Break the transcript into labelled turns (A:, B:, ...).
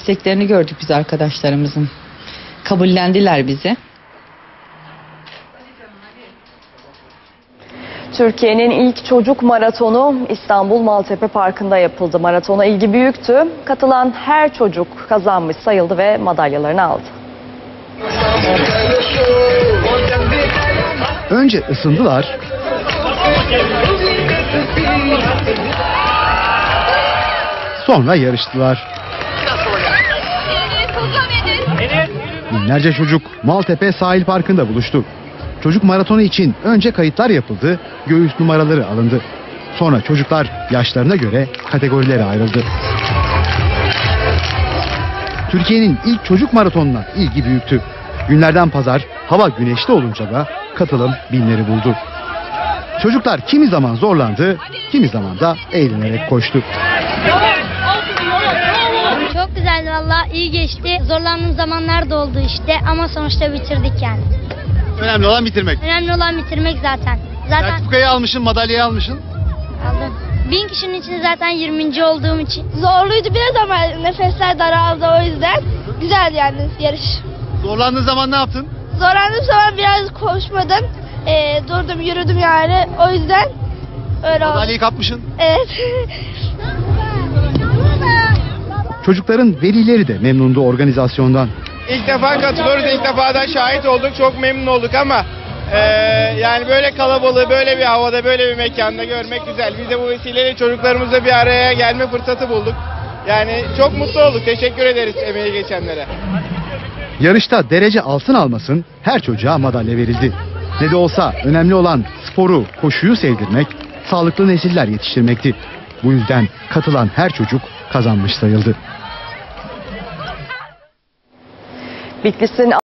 A: İsteklerini gördük biz arkadaşlarımızın. Kabullendiler bizi.
B: Türkiye'nin ilk çocuk maratonu İstanbul Maltepe Parkı'nda yapıldı. Maratona ilgi büyüktü. Katılan her çocuk kazanmış sayıldı ve madalyalarını aldı.
C: Önce ısındılar, sonra yarıştılar. Binlerce çocuk Maltepe Sahil Parkı'nda buluştu. Çocuk maratonu için önce kayıtlar yapıldı, göğüs numaraları alındı. Sonra çocuklar yaşlarına göre kategorilere ayrıldı. Türkiye'nin ilk çocuk maratonuna ilgi büyüktü. Günlerden pazar hava güneşli olunca da katılım binleri buldu. Çocuklar kimi zaman zorlandı, kimi zaman da eğlenerek koştu.
D: Çok güzeldi valla, iyi geçti. Zorlandığım zamanlar da oldu işte ama sonuçta bitirdik yani.
C: Önemli olan bitirmek.
D: Önemli olan bitirmek zaten.
C: Sertifikayı almışsın, madalyayı almışsın.
D: Aldım. 1000 kişinin içinde zaten 20. olduğum için. Zorluydu biraz ama nefesler daraldı, o yüzden güzel yani yarış.
C: Zorlandığın zaman ne yaptın?
D: Zorlandığım zaman biraz koşmadım. Durdum, yürüdüm yani. O yüzden öyle oldu.
C: Madalyayı kapmışsın.
D: Evet.
C: Çocukların velileri de memnundu organizasyondan.
E: İlk defa katılıyoruz, ilk defa da şahit olduk, çok memnun olduk ama yani böyle kalabalığı, böyle bir havada, böyle bir mekanda görmek güzel. Biz de bu vesileyle çocuklarımızla bir araya gelme fırsatı bulduk. Yani çok mutlu olduk, teşekkür ederiz emeği geçenlere.
C: Yarışta derece altın almasın, her çocuğa madalya verildi. Ne de olsa önemli olan sporu, koşuyu sevdirmek, sağlıklı nesiller yetiştirmekti. Bu yüzden katılan her çocuk kazanmış sayıldı.
B: Bitlis'in